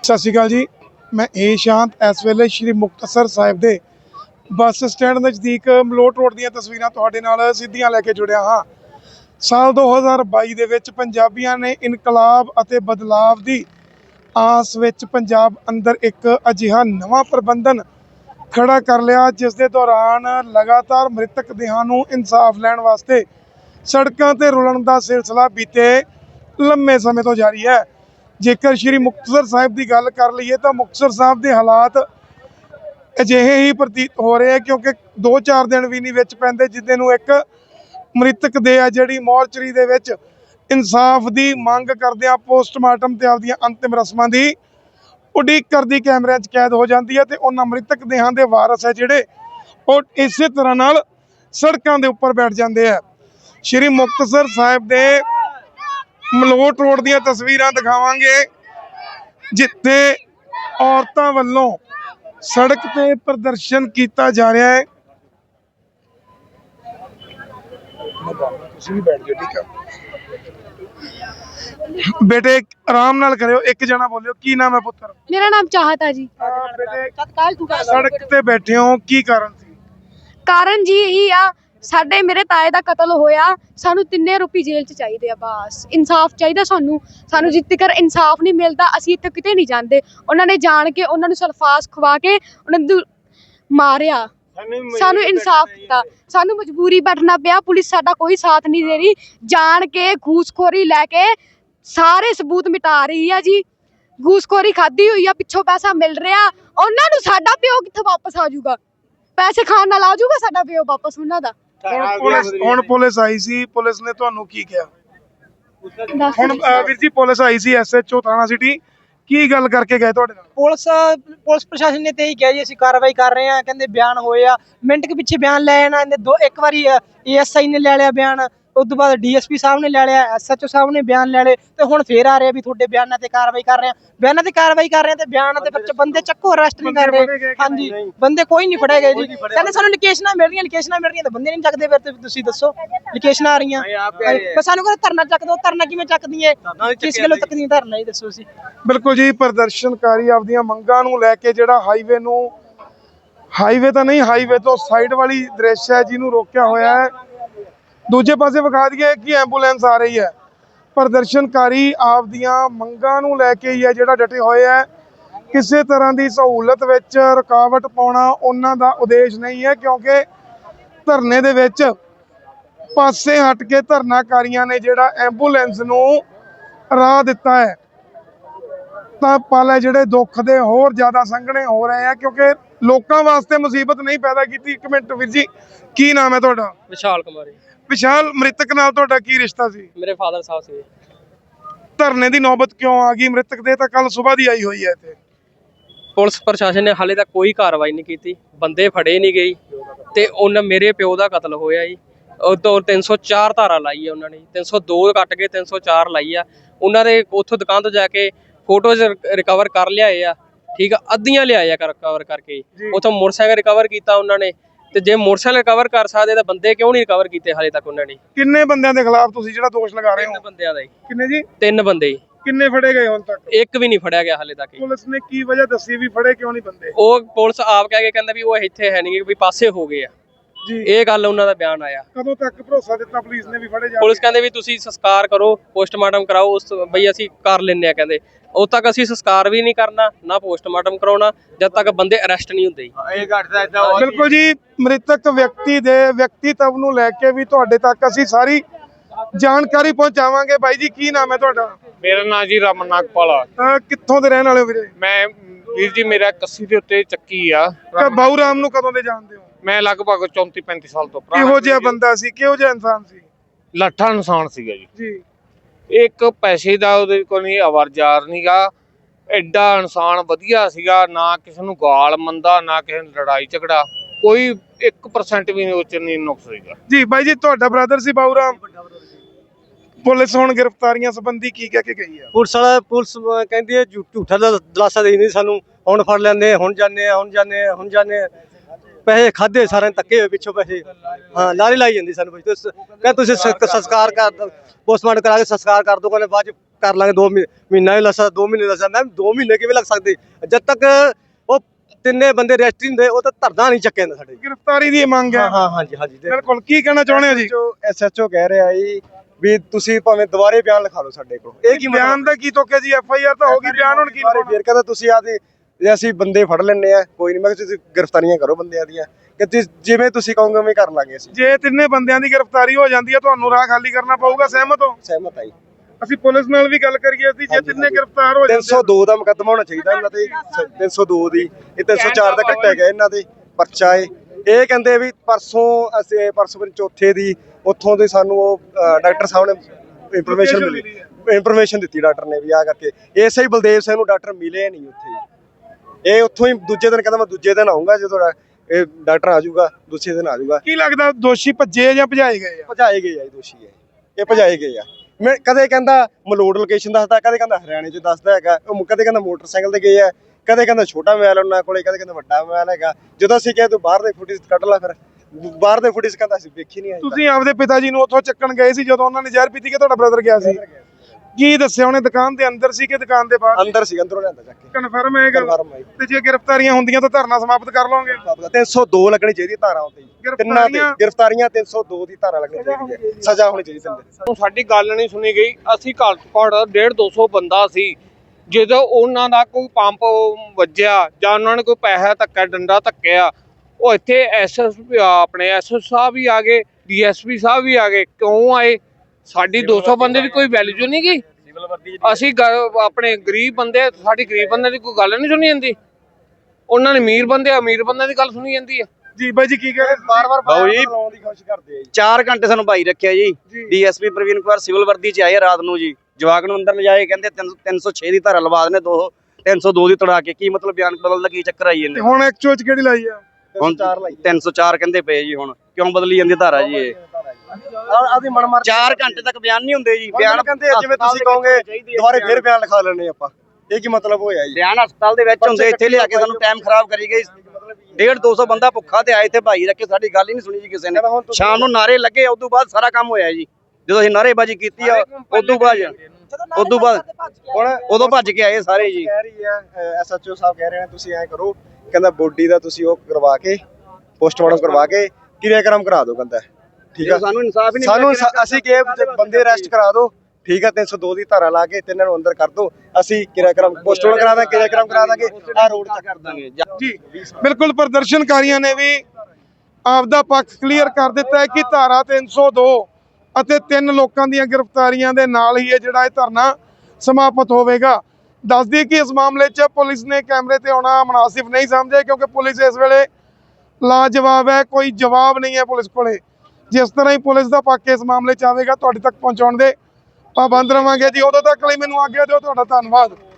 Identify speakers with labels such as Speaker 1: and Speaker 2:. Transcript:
Speaker 1: ਸਤਿ ਸ਼੍ਰੀ ਅਕਾਲ ਜੀ। ਮੈਂ ਸ਼ਾਂਤ ਇਸ ਵੇਲੇ ਸ਼੍ਰੀ ਮੁਕਤਸਰ ਸਾਹਿਬ ਦੇ ਬੱਸ ਸਟੈਂਡ ਨਜ਼ਦੀਕ ਮਲੋਟ ਰੋਡ ਦੀਆਂ ਤਸਵੀਰਾਂ ਤੁਹਾਡੇ ਨਾਲ ਸਿੱਧੀਆਂ ਲੈ ਕੇ ਜੁੜਿਆ ਹਾਂ। ਸਾਲ 2022 ਦੇ ਵਿੱਚ ਪੰਜਾਬੀਆਂ ਨੇ ਇਨਕਲਾਬ ਅਤੇ ਬਦਲਾਵ ਦੀ ਆਸ ਵਿੱਚ ਪੰਜਾਬ ਅੰਦਰ ਇੱਕ ਅਜਿਹਾ ਨਵਾਂ ਪ੍ਰਬੰਧਨ ਖੜਾ ਕਰ ਲਿਆ, ਜਿਸ ਦੇ ਦੌਰਾਨ ਲਗਾਤਾਰ ਮ੍ਰਿਤਕ ਦੇਹਾਂ ਨੂੰ ਇਨਸਾਫ ਲੈਣ ਵਾਸਤੇ ਸੜਕਾਂ ਤੇ ਰੁਲਣ ਦਾ ਸਿਲਸਿਲਾ ਬੀਤੇ ਲੰਮੇ ਸਮੇਂ ਤੋਂ ਜਾਰੀ ਹੈ। ਜੇਕਰ ਸ਼੍ਰੀ ਮੁਕਤਸਰ ਸਾਹਿਬ ਦੀ ਗੱਲ ਕਰ ਲਈਏ ਤਾਂ ਮੁਕਤਸਰ ਸਾਹਿਬ ਦੇ ਹਾਲਾਤ ਅਜਿਹੇ ਹੀ ਪ੍ਰਤੀਤ ਹੋ ਰਹੇ, ਕਿਉਂਕਿ 2-4 ਦਿਨ ਵੀ ਨਹੀਂ ਵਿੱਚ ਪੈਂਦੇ ਜਿੱਦੇ ਨੂੰ ਇੱਕ ਮ੍ਰਿਤਕ ਦੇ ਆ ਜਿਹੜੀ ਮੋਰਚਰੀ ਦੇ ਵਿੱਚ ਇਨਸਾਫ ਦੀ ਮੰਗ ਕਰਦਿਆਂ ਪੋਸਟਮਾਰਟਮ ਤੇ ਆਪਦੀਆਂ ਅੰਤਿਮ ਰਸਮਾਂ ਦੀ ਉਡੀਕ ਕਰਦੀ ਕੈਮਰਿਆਂ 'ਚ ਕੈਦ ਹੋ ਜਾਂਦੀ ਹੈ। ਤੇ ਉਹਨਾਂ ਮ੍ਰਿਤਕ ਦੇਹਾਂ ਦੇ ਵਾਰਸ ਹੈ ਜਿਹੜੇ ਉਹ ਇਸੇ ਤਰ੍ਹਾਂ ਨਾਲ ਸੜਕਾਂ ਦੇ ਉੱਪਰ ਬੈਠ ਜਾਂਦੇ ਆ। ਸ਼੍ਰੀ ਮੁਕਤਸਰ ਸਾਹਿਬ ਦੇ ਮਲੋਟ ਰੋਡ ਦੀਆਂ ਤਸਵੀਰਾਂ ਦਿਖਾਵਾਂਗੇ, ਜਿੱਥੇ ਔਰਤਾਂ ਵੱਲੋਂ ਸੜਕ ਤੇ ਪ੍ਰਦਰਸ਼ਨ ਕੀਤਾ ਜਾ ਰਿਹਾ ਹੈ। ਤੁਸੀਂ ਵੀ ਬੈਠ ਜਾਓ, ਠੀਕ ਹੈ ਬੇਟੇ, ਆਰਾਮ ਨਾਲ ਕਰਿਓ, ਇੱਕ ਜਣਾ ਬੋਲਿਓ। ਕੀ ਨਾਮ ਹੈ ਪੁੱਤਰ?
Speaker 2: मेरा नाम चाहत है जी।
Speaker 1: ਬੇਟੇ ਸੜਕ ਤੇ ਬੈਠੇ ਹੋ, ਕੀ ਕਾਰਨ ਸੀ?
Speaker 2: ਕਾਰਨ ਜੀ ਇਹੀ ਆ, ਸਾਡੇ ਮੇਰੇ ਤਾਏ ਦਾ ਕਤਲ ਹੋਇਆ, ਸਾਨੂੰ 3 ਰੁਪਏ ਜੇਲ੍ਹ 'ਚ ਚਾਹੀਦੇ ਆ। ਬਸ ਇਨਸਾਫ ਚਾਹੀਦਾ ਸਾਨੂੰ ਜਿੱਤ ਤੱਕ ਇਨਸਾਫ ਨਹੀਂ ਮਿਲਦਾ ਅਸੀਂ ਇੱਥੇ ਕਿਤੇ ਨਹੀਂ ਜਾਂਦੇ। ਉਹਨਾਂ ਨੇ ਜਾਣ ਕੇ ਉਹਨਾਂ ਨੂੰ ਸਲਫਾਸ ਖਵਾ ਕੇ ਉਹਨਾਂ ਨੂੰ ਮਾਰਿਆ, ਸਾਨੂੰ ਇਨਸਾਫ ਦਿੱਤਾ। ਸਾਨੂੰ ਮਜਬੂਰੀ ਬੈਠਣਾ ਪਿਆ, ਪੁਲਿਸ ਸਾਡਾ ਕੋਈ ਸਾਥ ਨਹੀਂ ਦੇ ਰਹੀ, ਜਾਣ ਕੇ ਘੂਸਖੋਰੀ ਲੈ ਕੇ ਸਾਰੇ ਸਬੂਤ ਮਿਟਾ ਰਹੀ ਆ ਜੀ। ਘੂਸਖੋਰੀ ਖਾਦੀ ਹੋਈ ਆ, ਪਿੱਛੋਂ ਪੈਸਾ ਮਿਲ ਰਿਹਾ ਉਹਨਾਂ ਨੂੰ, ਸਾਡਾ ਪਿਓ ਕਿੱਥੇ ਵਾਪਸ ਆ ਜਾਊਗਾ? ਪੈਸੇ ਖਾਣ ਨਾਲ ਆ ਜਾਊਗਾ ਸਾਡਾ ਪਿਓ ਵਾਪਸ ਉਹਨਾਂ ਦਾ?
Speaker 1: ਹੁਣ ਪੁਲਿਸ ਆਈ ਸੀ, ਪੁਲਿਸ ਨੇ ਤੁਹਾਨੂੰ ਕੀ ਕਿਹਾ? ਹੁਣ ਵੀਰ ਜੀ ਪੁਲਿਸ ਆਈ ਸੀ, SHO ਥਾਣਾ ਸਿਟੀ, ਕੀ ਗੱਲ ਕਰਕੇ ਗਏ ਤੁਹਾਡੇ ਨਾਲ?
Speaker 3: ਪੁਲਿਸ ਪ੍ਰਸ਼ਾਸਨ ਨੇ ਤੇ ਹੀ ਕਿਹਾ ਜੀ ਅਸੀਂ ਕਾਰਵਾਈ ਕਰ ਰਹੇ ਹਾਂ। ਕਹਿੰਦੇ ਬਿਆਨ ਹੋਏ ਆ, ਮਿੰਟ ਕੇ ਪਿੱਛੇ ਬਿਆਨ ਲੈ ਜਾਣਾ। ਇਹਨੇ ਇੱਕ ਵਾਰੀ ASI ਨੇ ਲੈ ਲਿਆ ਬਿਆਨ, ਉਸ ਤੋਂ ਬਾਅਦ DSP ਸਾਹਿਬ ਨੇ ਲੈ ਲਿਆ, SHO ਸਾਹਿਬ ਨੇ ਬਿਆਨ ਲੈ ਲਏ, ਤੇ ਹੁਣ ਫੇਰ ਆ ਰਿਹਾ ਵੀ ਤੁਹਾਡੇ ਬਿਆਨਾਂ ਤੇ ਕਾਰਵਾਈ ਕਰ ਰਹੇ ਆ। ਬਿਆਨਾਂ ਤੇ ਕਾਰਵਾਈ ਕਰ ਰਹੇ ਆ ਤੇ ਬਿਆਨਾਂ ਦੇ ਵਿੱਚ ਬੰਦੇ ਚੱਕੋ, ਅਰੈਸਟ ਨਹੀਂ ਕਰ ਰਹੇ। ਹਾਂਜੀ, ਬੰਦੇ ਕੋਈ ਨਹੀਂ ਫੜੇ ਗਏ ਜੀ। ਕਹਿੰਦੇ ਸਾਨੂੰ ਲੋਕੇਸ਼ਨਾਂ ਮਿਲ ਰਹੀਆਂ ਤਾਂ ਬੰਦੇ ਨਹੀਂ ਚੱਕਦੇ। ਫਿਰ ਤੇ ਤੁਸੀਂ ਦੱਸੋ, ਲੋਕੇਸ਼ਨਾਂ ਆ ਰਹੀਆਂ ਪਰ ਸਾਨੂੰ ਕਹਿੰਦੇ ਧਰਨਾ ਚੱਕ ਦੋ। ਧਰਨਾ ਕਿਵੇਂ ਚੱਕਦੀ ਹੈ? ਕਿਸ ਗੱਲੋਂ ਚੱਕਦੀ ਧਰਨਾ ਹੀ ਦੱਸੋ ਤੁਸੀਂ।
Speaker 1: ਬਿਲਕੁਲ ਜੀ, ਪ੍ਰਦਰਸ਼ਨਕਾਰੀ ਆਪਦੀਆਂ ਮੰਗਾਂ ਨੂੰ ਲੈ ਕੇ ਜਿਹੜਾ ਹਾਈਵੇ ਤਾਂ ਨਹੀਂ, ਹਾਈਵੇ ਤੋਂ ਸਾਈਡ ਵਾਲੀ ਦ੍ਰਿਸ਼ ਹੈ ਜਿਹਨੂੰ ਰੋਕਿਆ ਹੋਇਆ ਹੈ। ਦੂਜੇ ਪਾਸੇ ਵਿਖਾ ਦਈਏ ਕਿ ਐਂਬੂਲੈਂਸ ਆ ਰਹੀ ਹੈ। ਪ੍ਰਦਰਸ਼ਨਕਾਰੀ ਆਪਦੀਆਂ ਮੰਗਾਂ ਨੂੰ ਲੈ ਕੇ ਹੀ ਹੈ ਜਿਹੜਾ ਡਟੇ ਹੋਏ ਹੈ। ਕਿਸੇ ਤਰ੍ਹਾਂ ਦੀ ਸਹੂਲਤ ਵਿੱਚ ਰੁਕਾਵਟ ਪਾਉਣਾ ਉਹਨਾਂ ਦਾ ਉਦੇਸ਼ ਨਹੀਂ ਹੈ, ਕਿਉਂਕਿ ਧਰਨੇ ਦੇ ਵਿੱਚ ਪਾਸੇ ਹਟ ਕੇ ਧਰਨਾਕਾਰੀਆਂ ਨੇ ਜਿਹੜਾ ਐਂਬੂਲੈਂਸ ਨੂੰ ਰਾਹ ਦਿੱਤਾ ਹੈ। ਤਾਂ ਪਲ ਹੈ ਜਿਹੜੇ ਦੁੱਖ ਦੇ ਹੋਰ ਜ਼ਿਆਦਾ ਸੰਘਣੇ ਹੋ ਰਹੇ ਆ, ਕਿਉਂਕਿ ਲੋਕਾਂ ਵਾਸਤੇ ਮੁਸੀਬਤ ਨਹੀਂ ਪੈਦਾ ਕੀਤੀ। ਇੱਕ ਮਿੰਟ ਵੀਰ ਜੀ, ਕੀ ਨਾਮ ਹੈ ਤੁਹਾਡਾ?
Speaker 4: ਵਿਸ਼ਾਲ ਕੁਮਾਰੀ।
Speaker 1: ਵਿਸ਼ਾਲ, ਮ੍ਰਿਤਕ ਨਾਲ ਤੁਹਾਡਾ ਕੀ ਰਿਸ਼ਤਾ ਸੀ?
Speaker 4: ਮੇਰੇ ਫਾਦਰ ਸਾਹਿਬ ਸੀ।
Speaker 1: ਧਰਨੇ ਦੀ ਨੌਬਤ ਕਿਉਂ ਆ ਗਈ? ਮ੍ਰਿਤਕ ਦੇ ਤਾਂ ਕੱਲ ਸਵੇਰ ਦੀ ਆਈ ਹੋਈ ਹੈ ਇੱਥੇ।
Speaker 4: ਪੁਲਿਸ ਪ੍ਰਸ਼ਾਸਨ ਨੇ ਹਾਲੇ ਤੱਕ ਕੋਈ ਕਾਰਵਾਈ ਨਹੀਂ ਕੀਤੀ, ਬੰਦੇ ਫੜੇ ਨਹੀਂ ਗਏ ਤੇ ਉਹਨਾਂ ਮੇਰੇ ਪਿਓ ਦਾ ਕਤਲ ਹੋਇਆ ਜੀ। ਉਹ ਤੋਂ 304 ਧਾਰਾ ਲਾਈ ਆ ਉਹਨਾਂ ਨੇ, 302 ਕੱਟ ਕੇ 304 ਲਾਈ ਆ। ਉਹਨਾਂ ਦੇ ਉੱਥੋਂ ਦੁਕਾਨ ਤੋਂ ਜਾ ਕੇ ਫੋਟੋਜ਼ ਰਿਕਵਰ ਕਰ ਲਿਆਏ ਆ, ਠੀਕ ਆ, ਅੱਧੀਆਂ ਲਿਆਏ ਆ ਰਿਕਵਰ ਕਰਕੇ। ਉੱਥੋਂ ਮੋਟਰਸਾਈਕਲ ਰਿਕਵਰ ਕੀਤਾ ਉਹਨਾਂ ਨੇ, ਤੇ ਜੇ ਮੋਟਰਸਾਈਕਲ ਰਿਕਵਰ ਕਰ ਸਕਦੇ ਤਾਂ ਬੰਦੇ ਕਿਉਂ ਨਹੀਂ ਰਿਕਵਰ ਕੀਤੇ ਹਾਲੇ ਤੱਕ ਉਹਨਾਂ ਨੇ?
Speaker 1: ਕਿੰਨੇ ਬੰਦਿਆਂ ਦੇ ਖਿਲਾਫ ਤੁਸੀਂ ਜਿਹੜਾ ਦੋਸ਼ ਲਗਾ ਰਹੇ ਹੋ?
Speaker 4: 3 ਬੰਦਿਆਂ ਦਾ ਹੀ।
Speaker 1: ਕਿੰਨੇ ਜੀ?
Speaker 4: 3 ਬੰਦੇ ਹੀ।
Speaker 1: ਕਿੰਨੇ ਫੜੇ ਗਏ ਹੁਣ ਤੱਕ?
Speaker 4: ਇੱਕ ਵੀ ਨਹੀਂ ਫੜਿਆ ਗਿਆ ਹਾਲੇ ਤੱਕ।
Speaker 1: ਪੁਲਿਸ ਨੇ ਕੀ ਵਜ੍ਹਾ ਦੱਸੀ ਵੀ ਫੜੇ ਕਿਉਂ ਨਹੀਂ ਬੰਦੇ?
Speaker 4: ਉਹ ਪੁਲਿਸ ਆਪ ਕਹਿ ਕੇ ਕਹਿੰਦਾ ਵੀ ਉਹ ਇੱਥੇ ਹੈ ਨਹੀਂ, ਵੀ ਪਾਸੇ ਹੋ ਗਏ ਆ
Speaker 1: ਜੀ।
Speaker 4: ਇਹ ਗੱਲ ਉਹਨਾਂ ਦਾ ਬਿਆਨ ਆਇਆ।
Speaker 1: ਕਦੋਂ ਤੱਕ ਭਰੋਸਾ ਦਿੱਤਾ ਪੁਲਿਸ ਨੇ ਵੀ ਫੜੇ ਜਾਣਗੇ?
Speaker 4: ਪੁਲਿਸ ਕਹਿੰਦੇ ਵੀ ਤੁਸੀਂ ਸੰਸਕਾਰ ਕਰੋ, ਪੋਸਟਮਾਰਟਮ ਕਰਾਓ, ਉਸ ਬਈ ਅਸੀਂ ਕਰ ਲੈਂਦੇ ਆ। ਕਹਿੰਦੇ ਉਦੋਂ ਤੱਕ ਅਸੀਂ ਸੰਸਕਾਰ ਵੀ ਨਹੀਂ ਕਰਨਾ, ਨਾ ਪੋਸਟਮਾਰਟਮ ਕਰਾਉਣਾ, ਜਦ ਤੱਕ ਬੰਦੇ ਅਰੈਸਟ ਨਹੀਂ ਹੁੰਦੇ।
Speaker 1: ਬਿਲਕੁਲ ਜੀ, ਮ੍ਰਿਤਕ ਵਿਅਕਤੀ ਦੇ ਵਿਅਕਤੀਤਵ ਨੂੰ ਲੈ ਕੇ ਵੀ ਤੁਹਾਡੇ ਤੱਕ ਅਸੀਂ ਸਾਰੀ ਜਾਣਕਾਰੀ ਪਹੁੰਚਾਵਾਂਗੇ। ਬਾਈ ਜੀ, ਕੀ ਨਾਮ ਹੈ ਤੁਹਾਡਾ?
Speaker 5: ਮੇਰਾ ਨਾਮ ਜੀ ਰਮਨ ਨਾਗਪਾਲ।
Speaker 1: ਕਿੱਥੋਂ ਦੇ ਰਹਿਣ ਵਾਲੇ ਹੋ ਵੀਰੇ?
Speaker 5: ਮੈਂ ਵੀਰ ਜੀ, ਮੇਰਾ 81 ਦੇ ਉੱਤੇ ਚੱਕੀ ਆ।
Speaker 1: ਬਾਊ ਰਾਮ ਨੂੰ ਕਦੋਂ ਦੇ ਜਾਣਦੇ ਹੋ?
Speaker 5: ਮੈਂ ਲਗਭਗ 34-35 ਸਾਲ ਤੋਂ।
Speaker 1: ਕਿਹੋ ਜਿਹਾ ਬੰਦਾ ਸੀ, ਕਿਹੋ ਜਿਹਾ ਇਨਸਾਨ ਸੀ?
Speaker 5: ਲੱਠਾ ਇਨਸਾਨ ਸੀਗਾ ਜੀ।
Speaker 1: ਜੀ,
Speaker 5: ਇੱਕ ਪੈਸੇ ਦਾ ਉਹਦੇ ਕੋਲ ਨਹੀਂ, ਅਵਰਜਾਰ ਨੀਗਾ, ਐਡਾ ਇਨਸਾਨ ਵਧੀਆ ਸੀਗਾ। ਨਾ ਕਿਸੇ ਨੂੰ ਗਾਲ ਮੰਦਾ, ਨਾ ਕਿਸੇ ਨੂੰ ਲੜਾਈ ਝਗੜਾ, ਕੋਈ 1% ਵੀ ਉਹ ਚ ਨਹੀਂ ਨੁਕਸ ਸੀਗਾ
Speaker 1: ਜੀ। ਬਾਈ ਜੀ, ਤੁਹਾਡਾ ਬ੍ਰਦਰ ਸੀ ਬਾਊ ਰਾਮ। ਪੁਲਿਸ ਹੁਣ ਗ੍ਰਿਫਤਾਰੀਆਂ ਸੰਬੰਧੀ ਕੀ ਕਹਿ ਕੇ ਗਈ ਆ?
Speaker 3: ਪੁਲਿਸ ਕਹਿੰਦੀ ਹੈ ਝੂਠਾ ਦਿਲਾਸਾ ਦੇ ਨਹੀਂ ਸਾਨੂੰ, ਹੁਣ ਫੜ ਲੈਂਦੇ, ਹੁਣ ਜਾਂਦੇ ਆ।
Speaker 6: ਪੈਸੇ ਖਾਦੇ ਸਾਰਿਆਂ ਨੇ ਧੱਕੇ ਹੋਏ ਪਿੱਛੋਂ ਪੈਸੇ। ਹਾਂ ਨਾਰੇ ਲਾਈ ਜਾਂਦੀ ਸਾਨੂੰ ਬਈ ਤੁਸੀਂ ਸੰਸਕਾਰ ਕਰ ਪੋਸਟਮਾਰਟਮ ਕਰਾ ਕੇ ਸੰਸਕਾਰ ਕਰ ਦੋ, ਕਹਿੰਦੇ ਬਾਅਦ ਚ ਕਰ ਲਾਂਗੇ 2 ਮਹੀਨਾ ਹੀ ਲੱਸਾ 2 ਮਹੀਨੇ ਲੱਸਾ। ਮੈਮ 2 ਮਹੀਨੇ ਕਿਵੇਂ ਲੱਗ ਸਕਦੇ ਜਦ ਤੱਕ ਉਹ ਤਿੰਨੇ ਬੰਦੇ ਰੈਸਟ ਨਹੀਂ ਹੁੰਦੇ, ਉਹ ਤਾਂ ਧਰਨਾ ਨਹੀਂ ਚੱਕਿਆ ਜਾਂਦਾ ਸਾਡੇ।
Speaker 1: ਗ੍ਰਿਫਤਾਰੀ ਦੀ ਮੰਗ ਹੈ।
Speaker 6: ਹਾਂਜੀ
Speaker 1: ਬਿਲਕੁਲ, ਕੀ ਕਹਿਣਾ ਚਾਹੁੰਦੇ ਹੋ ਜੀ?
Speaker 6: ਐਸਐਚਓ ਕਹਿ ਰਿਹਾ ਜੀ ਵੀ ਤੁਸੀਂ ਭਾਵੇਂ ਦੁਬਾਰੇ ਬਿਆਨ ਲਿਖਾ ਲਓ ਸਾਡੇ ਕੋਲ। ਇਹ ਕੀ
Speaker 1: ਬਿਆਨ ਦਾ ਕੀ ਤੋਕਿਆ ਜੀ? ਐਫਆਈਆਰ ਤਾਂ ਹੋ ਗਈ, ਬਿਆਨ ਹੁਣ ਕੀ ਲਿਖਾਉਣਾ?
Speaker 6: ਫਿਰ ਕਹਿੰਦਾ ਤੁਸੀਂ ਆਦੇ ਜੇ ਅਸੀਂ ਬੰਦੇ ਫੜ ਲੈਣੇ ਆ, ਕੋਈ ਨਹੀਂ। ਮੈਂ ਕਿਹਾ ਤੁਸੀਂ ਗ੍ਰਿਫਤਾਰੀਆਂ ਕਰੋ ਬੰਦਿਆਂ ਦੀਆਂ, ਕਿ ਜਿਵੇਂ ਤੁਸੀਂ ਕਹੋਗੇ ਉਵੇਂ ਕਰ ਲਾਂਗੇ ਅਸੀਂ।
Speaker 1: ਜੇ ਤਿੰਨੇ ਬੰਦਿਆਂ ਦੀ ਗ੍ਰਿਫਤਾਰੀ ਹੋ ਜਾਂਦੀ ਹੈ, ਤੁਹਾਨੂੰ ਰਾਹ ਖਾਲੀ ਕਰਨਾ ਪਊਗਾ, ਸਹਿਮਤ ਹੋ?
Speaker 6: ਸਹਿਮਤ ਆਈ।
Speaker 1: ਅਸੀਂ ਪੁਲਿਸ ਨਾਲ ਵੀ ਗੱਲ ਕਰੀਏ ਸੀ, ਜੇ ਤਿੰਨੇ ਗ੍ਰਿਫਤਾਰ ਹੋ ਜਾਂਦੇ।
Speaker 6: 302 ਦਾ ਮੁਕੱਦਮਾ ਹੋਣਾ ਚਾਹੀਦਾ ਇਹਨਾਂ ਤੇ, 302 ਦੀ। ਇਹ 304 ਦਾ ਕੱਟਿਆ ਗਿਆ ਇਹਨਾਂ ਦੇ ਪਰਚਾ ਏ। ਇਹ ਕਹਿੰਦੇ ਵੀ ਪਰਸੋਂ ਚੌਥੇ ਦੀ ਉੱਥੋਂ ਦੇ ਸਾਨੂੰ ਉਹ ਡਾਕਟਰ ਸਾਹਿਬ ਨੇ ਇਨਫੋਰਮੇਸ਼ਨ ਦਿੱਤੀ, ਡਾਕਟਰ ਨੇ ਵੀ ਆ ਕਰਕੇ। ਇਸੇ ਹੀ ਬਲਦੇਵ ਸਿੰਘ ਨੂੰ ਡਾਕਟਰ ਮਿਲੇ ਨਹੀਂ ਉੱਥੇ। ਇਹ ਉੱਥੋਂ ਹੀ ਦੂਜੇ ਦਿਨ ਕਹਿੰਦਾ ਮੈਂ ਦੂਜੇ ਦਿਨ ਆਉਂਗਾ, ਜਦੋਂ ਇਹ ਡਾਕਟਰ ਆ ਜਾਊਗਾ ਦੂਸਰੇ ਦਿਨ ਆ ਜਾਊਗਾ।
Speaker 1: ਕੀ ਲੱਗਦਾ ਦੋਸ਼ੀ ਭੱਜੇ ਜਾਂ ਭਜਾਏ ਗਏ ਆ?
Speaker 6: ਭਜਾਏ ਗਏ ਆ ਦੋਸ਼ੀ, ਇਹ ਭਜਾਏ ਗਏ ਆ। ਮੈਂ ਕਦੇ ਕਹਿੰਦਾ ਮਲੋੜ ਲੋਕੇਸ਼ਨ ਦੱਸਦਾ, ਕਦੇ ਕਹਿੰਦਾ ਹਰਿਆਣੇ ਚ ਦੱਸਦਾ ਹੈਗਾ, ਉਹ ਕਦੇ ਕਹਿੰਦਾ ਮੋਟਰਸਾਈਕਲ ਤੇ ਗਏ ਆ, ਕਦੇ ਕਹਿੰਦਾ ਛੋਟਾ ਮੋਬਾਈਲ ਉਹਨਾਂ ਕੋਲੇ, ਕਦੇ ਕਹਿੰਦਾ ਵੱਡਾ ਮੋਬਾਈਲ ਹੈਗਾ। ਜਦੋਂ ਅਸੀਂ ਕਿਹਾ ਤੂੰ ਬਾਹਰ ਦੇ ਫੁਟੇਜ ਕੱਢ ਲੈ, ਫਿਰ ਬਾਹਰ ਦੇ ਫੁਟੇਜ ਕਹਿੰਦਾ ਅਸੀਂ ਵੇਖੀ ਨਹੀਂ ਆਈ।
Speaker 1: ਤੁਸੀਂ ਆਪਦੇ ਪਿਤਾ ਜੀ ਨੂੰ ਉੱਥੋਂ ਚੱਕਣ ਗਏ ਸੀ ਜਦੋਂ ਉਹਨਾਂ ਨੇ ਜ਼ਹਿਰ ਪੀਤੀ ਕਿ ਤੁਹਾਡਾ ਬ੍ਰਦਰ ਗਿਆ ਸੀ? ਕੀ ਦੱਸਿਆ ਉਹਨੇ? ਦੁਕਾਨ ਦੇ ਅੰਦਰ ਸੀ ਕਿ ਦੁਕਾਨ ਦੇ ਬਾਹਰ?
Speaker 6: ਅੰਦਰ ਸੀ, ਅੰਦਰੋਂ ਲਿਆਂਦਾ ਚੱਕ ਕੇ।
Speaker 1: ਕਨਫਰਮ ਹੈ ਇਹ ਗੱਲ? ਤੇ ਜੇ ਗ੍ਰਿਫਤਾਰੀਆਂ ਹੁੰਦੀਆਂ ਤਾਂ ਧਰਨਾ ਸਮਾਪਤ ਕਰ ਲਓਗੇ?
Speaker 6: 302 ਲੱਗਣੀ ਚਾਹੀਦੀ ਧਾਰਾ ਉੱਤੇ, ਤਿੰਨਾਂ ਤੇ ਗ੍ਰਿਫਤਾਰੀਆਂ 302 ਦੀ ਧਾਰਾ ਲੱਗਣੀ ਚਾਹੀਦੀ ਹੈ, ਸਜ਼ਾ ਹੋਣੀ ਚਾਹੀਦੀ ਹੈ।
Speaker 5: ਸਾਡੀ ਗੱਲ ਨਹੀਂ ਸੁਣੀ ਗਈ। ਅਸੀਂ ਘੱਟ ਤੋਂ ਘੱਟ 150-200 ਬੰਦਾ ਸੀ। ਜਦੋਂ ਉਹਨਾਂ ਦਾ ਕੋਈ ਪੰਪ ਵੱਜਿਆ ਜਾਂ ਉਹਨਾਂ ਨੇ ਕੋਈ ਪੈਸਾ ਧੱਕਾ ਡੰਡਾ ਧੱਕਿਆ, ਉਹ ਇੱਥੇ ਆਪਣੇ ਐਸਐਸ ਸਾਹਿਬ ਵੀ ਆ ਗਏ, ਡੀਐਸਪੀ ਸਾਹਿਬ ਵੀ ਆ ਗਏ। ਕਿਉਂ ਆਏ? ਸਾਡੀ 200 ਬੰਦੇ ਦੀ ਕੋਈ ਵੈਲਿਊ ਨਹੀਂ ਗਈ। ਅਸੀਂ ਆਪਣੇ ਗਰੀਬ ਬੰਦੇ, ਸਾਡੀ ਗਰੀਬ ਬੰਦੇ ਦੀ ਕੋਈ ਗੱਲ ਨਹੀਂ ਸੁਣੀ ਜਾਂਦੀ। ਉਹਨਾਂ ਨੇ ਅਮੀਰ ਬੰਦਿਆਂ ਦੀ ਗੱਲ ਸੁਣੀ ਜਾਂਦੀ ਹੈ।
Speaker 1: ਜੀ ਬਾਈ ਜੀ ਕੀ ਕਹੇ?
Speaker 6: ਬਾਰ-ਬਾਰ ਲਾਉਣ ਦੀ ਕੋਸ਼ਿਸ਼ ਕਰਦੇ ਆ ਜੀ।
Speaker 7: 4 ਘੰਟੇ ਸਾਨੂੰ ਭਾਈ ਰੱਖਿਆ ਜੀ। ਡੀਐਸਪੀ ਪ੍ਰਵੀਨ ਕੁਮਾਰ ਸਿਵਲ ਵਰਦੀ ਚ ਆਏ ਰਾਤ ਨੂੰ ਜੀ, ਜਵਾਕ ਨੂੰ ਅੰਦਰ ਲਿਜਾਏ, ਕਹਿੰਦੇ 306 ਦੀ ਧਾਰਾ ਲਵਾ ਦੇਣੇ, 302 ਦੀ ਤੜਾ ਕੇ। ਕੀ ਮਤਲਬ ਬਿਆਨ ਬਦਲਣ ਦਾ ਕੀ ਚੱਕਰ ਆਈ ਇਹਨੇ?
Speaker 1: ਹੁਣ ਐਕਚੁਅਲ ਚ ਕਿਹੜੀ ਲਾਈ ਆ?
Speaker 7: ਹੁਣ 304 ਕਹਿੰਦੇ ਪਏ ਜੀ। ਹੁਣ ਕਿਉਂ ਬਦਲੀ ਜਾਂਦੀ ਧਾਰਾ ਜੀ? ਇਹ
Speaker 6: ਆਦੀ ਮਨਮਾਰ
Speaker 7: 4 ਘੰਟੇ ਤੱਕ ਬਿਆਨ ਨਹੀਂ ਹੁੰਦੇ ਜੀ।
Speaker 6: ਬਿਆਨ ਕਹਿੰਦੇ ਜਿਵੇਂ ਤੁਸੀਂ ਕਹੋਗੇ ਦੁਬਾਰੇ ਫਿਰ ਬਿਆਨ ਲਿਖਾ ਲੈਣੇ ਆਪਾਂ। ਇਹ ਕੀ ਮਤਲਬ ਹੋਇਆ ਜੀ?
Speaker 7: ਬਿਆਨ ਹਸਪਤਾਲ ਦੇ ਵਿੱਚ ਹੁੰਦੇ, ਇੱਥੇ ਲਿਆ ਕੇ ਸਾਨੂੰ ਟਾਈਮ ਖਰਾਬ ਕਰੀ ਗਈ। 150-200 ਬੰਦਾ ਭੁੱਖਾ ਤੇ ਆਏ ਤੇ ਭਾਈ ਰੱਖੇ, ਸਾਡੀ ਗੱਲ ਹੀ ਨਹੀਂ ਸੁਣੀ ਜੀ ਕਿਸੇ ਨੇ। ਸ਼ਾਮ ਨੂੰ ਨਾਰੇ ਲੱਗੇ, ਉਦੋਂ ਬਾਅਦ ਸਾਰਾ ਕੰਮ ਹੋਇਆ ਜੀ। ਜਦੋਂ ਅਸੀਂ ਨਾਰੇਬਾਜ਼ੀ ਕੀਤੀ ਆ, ਉਦੋਂ ਬਾਅਦ ਉਦੋਂ ਭੱਜ ਕੇ ਆਏ ਸਾਰੇ ਜੀ।
Speaker 6: ਕਹਿ ਰਹੀ ਹੈ ਐਸਐਚਓ ਸਾਹਿਬ ਕਹਿ ਰਹੇ ਨੇ ਤੁਸੀਂ ਐ ਕਰੋ, ਕਹਿੰਦਾ ਬੋਡੀ ਦਾ ਤੁਸੀਂ ਉਹ ਕਰਵਾ ਕੇ ਪੋਸਟਮਾਰਟਮ ਕਰਵਾ ਕੇ ਕਿਰਿਆਕਰਮ ਕਰਾ ਦਿਓ, ਕਹਿੰਦਾ ਠੀਕ ਆ।
Speaker 7: ਸਾਨੂੰ ਇਨਸਾਫ ਹੀ ਨਹੀਂ
Speaker 6: ਸਾਨੂੰ ਅਸੀਂ ਕਿਹਾ ਬੰਦੇ ਅਰੈਸਟ ਕਰਾ ਦਿਓ, ਠੀਕ ਆ। 302 ਦੀ ਧਾਰਾ ਲਾ ਕੇ ਤਿੰਨਾਂ ਨੂੰ ਅੰਦਰ ਕਰ ਦਿਓ, ਅਸੀਂ ਕਿਰਿਆਕਰਮ ਪੋਸਟਮਾਰਟਮ ਕਰਾ ਦਾਂਗੇ, ਕਿਰਿਆਕਰਮ ਕਰਾ ਦਾਂਗੇ, ਆ ਰੋਡ ਤੱਕ ਕਰ ਦਾਂਗੇ
Speaker 1: ਜੀ। ਬਿਲਕੁਲ, ਪ੍ਰਦਰਸ਼ਨਕਾਰੀਆਂ ਨੇ ਵੀ ਆਪਦਾ ਪੱਖ ਕਲੀਅਰ ਕਰ ਦਿੱਤਾ ਹੈ ਕਿ ਧਾਰਾ 302 ਅਤੇ 3 ਲੋਕਾਂ ਦੀਆਂ ਗ੍ਰਿਫਤਾਰੀਆਂ ਦੇ ਨਾਲ ਹੀ ਇਹ ਜਿਹੜਾ ਇਹ ਧਰਨਾ ਸਮਾਪਤ ਹੋਵੇਗਾ। ਦੱਸ ਦਈਏ ਕਿ ਇਸ ਮਾਮਲੇ 'ਚ ਪੁਲਿਸ ਨੇ ਕੈਮਰੇ ਤੇ ਆਉਣਾ ਮੁਨਾਸਿਬ ਨਹੀਂ ਸਮਝਿਆ, ਕਿਉਂਕਿ ਪੁਲਿਸ ਇਸ ਵੇਲੇ ਲਾਜਵਾਬ ਹੈ, ਕੋਈ ਜਵਾਬ ਨਹੀਂ ਹੈ ਪੁਲਿਸ ਕੋਲੇ। ਜਿਸ ਤਰ੍ਹਾਂ ਹੀ ਪੁਲਿਸ ਦਾ ਪੱਖ ਇਸ ਮਾਮਲੇ 'ਚ ਆਵੇਗਾ, ਤੁਹਾਡੇ ਤੱਕ ਪਹੁੰਚਾਉਣ ਦੇ ਪਾਬੰਦ ਰਵਾਂਗੇ ਜੀ। ਉਦੋਂ ਤੱਕ ਲਈ ਮੈਨੂੰ ਆਗਿਆ ਦਿਓ। ਤੁਹਾਡਾ ਧੰਨਵਾਦ।